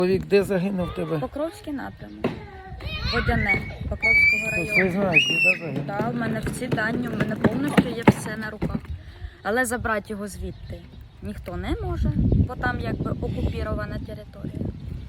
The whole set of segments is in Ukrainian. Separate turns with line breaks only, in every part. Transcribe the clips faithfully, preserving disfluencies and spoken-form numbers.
Чоловік де загинув в тебе?
Покровський напрямок. Водяне Покровського
Ти
району.
знаєш, де загинув?
Так, в мене всі дані, в мене повністю є все на руках. Але забрати його звідти ніхто не може, бо там якби окупірована територія.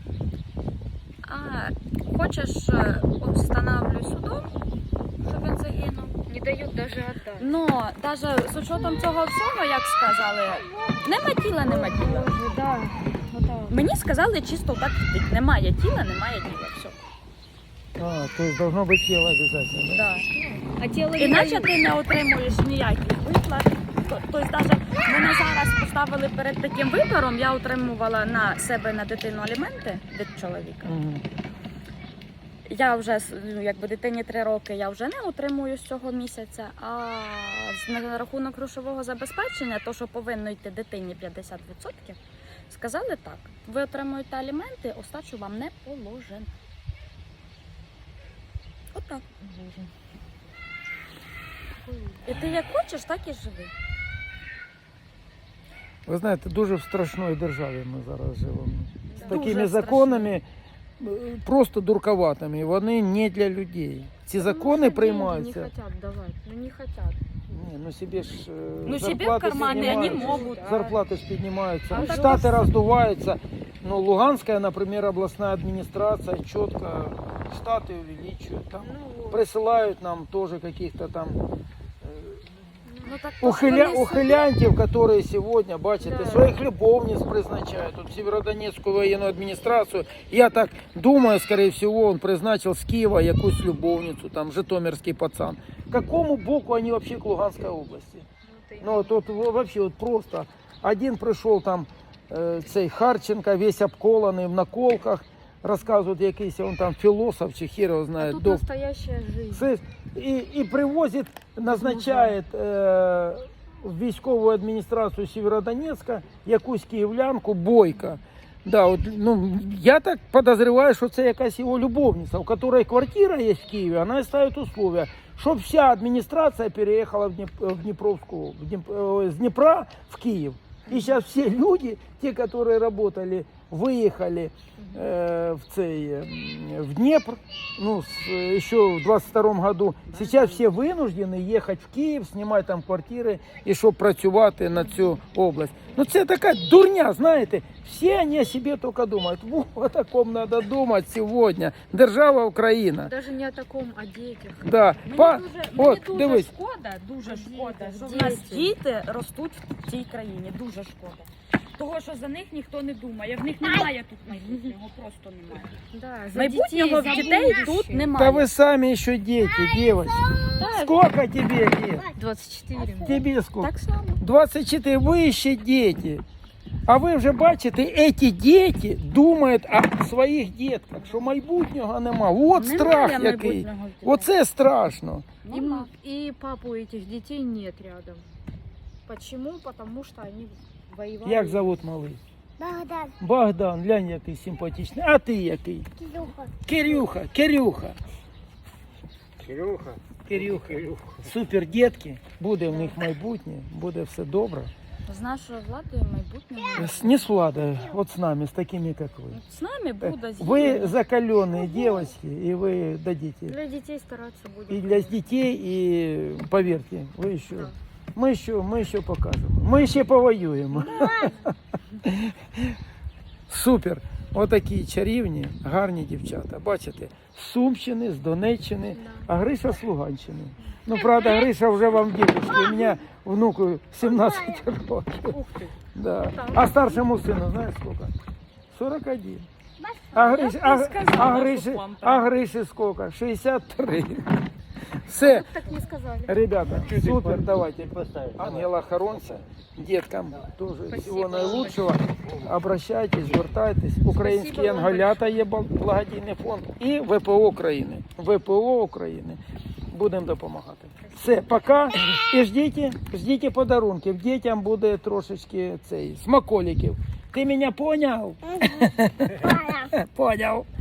А хочеш, встановлюй судом, щоб він загинув.
Не дають навіть віддати.
Ну, навіть з учетом цього всього, як сказали, нема тіла, нема тіла.
Да, отак.
Мені сказали чисто так втить. Немає тіла, немає тіла. Все.
А, то есть должно быть тело обязательно, да?
Да.
А тіло
Іначе ти не отримуєш ніяких виплат. Тобто, навіть мене зараз поставили перед таким вибором, я отримувала на себе, на дитину аліменти від чоловіка.
Мгм.
Я вже, ну, якби дитині три роки, я вже не отримую з цього місяця, а на рахунок грошового забезпечення, то, що повинно йти дитині п'ятдесят відсотків, сказали так, ви отримуєте аліменти, остачу вам не положено. Отак. І ти як хочеш, так і живи.
Ви знаєте, дуже в страшної державі ми зараз живемо. З
Дуже
такими
страшно.
законами, е, просто дурковатими, вони не для людей. Ці закони
Не
приймаються.
хотят давать, ну не хотят.
Ні, ну собі ж е,
Ну, себе в
зарплати
кармане они
піднімаються.
могут.
Зарплати ж піднімаються,
А так
штати
ось-
роздуваються. Ну, Луганська, наприклад, обласна адміністрація чітко штати увеличують. Там
Ну,
присылают нам тоже каких-то там
Ну, так
ухиля...
вони
ухилянтів, які сьогодні, бачите,
Да.
своїх любовниць призначають. Тут в Сєвєродонецьку воєнну адміністрацію. Я так думаю, скорее всего, він призначив з Києва якусь любовницю, там, житомирський пацан. Какому боку вони вообще к Луганській області? Ну, тут вообще вот просто. Один прийшов там, е, цей Харченко, весь обколаний в наколках, розказують якийсь, він там філософ чи хер його
а
знає.
тут
док-
настоящая жизнь.
Це, і, і привозить, назначає е, в військову адміністрацію Сєвєродонецька якусь київлянку Бойко. Да, от, ну, я так подозреваю, що це якась його любовниця, у якої квартира є в Києві, вона ставить условия, щоб вся адміністрація переїхала в, Дніп, в Дніпровську, в Дніп, е, з Дніпра в Київ. И сейчас все люди, те, которые работали, выехали э, в, цей, э, в Днепр, ну, с, еще в двадцать втором году. Сейчас все вынуждены ехать в Київ, снимать там квартири, і щоб працювати на цю область. Ну, це така дурня, знаєте. Всі вони о себе тільки думають. Во, о такому треба думати сьогодні. Держава Україна.
Даже не о таком, о детях.
Да.
Мені
Па-
дуже,
от,
мені дуже
дивись.
шкода, дуже шкода, що в
діти.
нас діти ростуть в цій країні. Дуже шкода. Того, що за них ніхто не думає. В них немає тут майбутнього, просто немає.
Да, за
Майбутнього в
детей, за
дітей
будущее.
тут
Да
немає.
вы сами еще дети, девочки. Сколько тебе лет?
двадцать четыре.
Тебе сколько?
Так само.
двадцять чотири, ви ще діти. А ви вже бачите, ці діти думають о своїх дітках, що майбутнього нема. От
Немає
страх який.
майбутнього в дітей.
Оце страшно.
И,
Нема.
м- и папу этих детей нет рядом. Почему? Потому что они воевали.
Як зовут малий?
Богдан,
Богдан, глянь, який симпатичний. А ти який?
Кирюха.
Кирюха, Кирюха.
Кирюха.
Кирюха. Супер дітки, буде в них майбутнє, буде все добре.
З нашою владою майбутнього.
С- Не с Владой, вот с нами, с такими, как вы.
З нами буде
Вы закаленные девочки, и вы дадите.
Для детей стараться будем.
И для детей, и поверьте, вы еще,
Да.
мы еще, мы еще покажем. Мы еще повоюем. Супер. Отакі чарівні, гарні дівчата. Бачите, з Сумщини, з Донеччини, а Гриша з Луганщини. Ну, правда, Гриша вже вам дідушки. У мене внуку сімнадцять років.
Ух ты.
Да. А старшему сыну, знаешь сколько? сорок один. А Гриши, а,
сказала,
а,
что
Гриши,
вам
а Гриши сколько? шестьдесят три. Все,
Так не сказали.
ребята, супер, давайте.
Поставить.
Ангела Хоронця, деткам тоже всего наилучшего. Обращайтесь, звертайтесь. Українські
Спасибо вам
анголята є бл- благодійний фонд і ВПО України. ВПО України. Будемо допомагати. Все, пока. І ждіть, ждіть подарунків. Дітям буде трошечки цей смаколиків. Ти мене поняв? Поняв.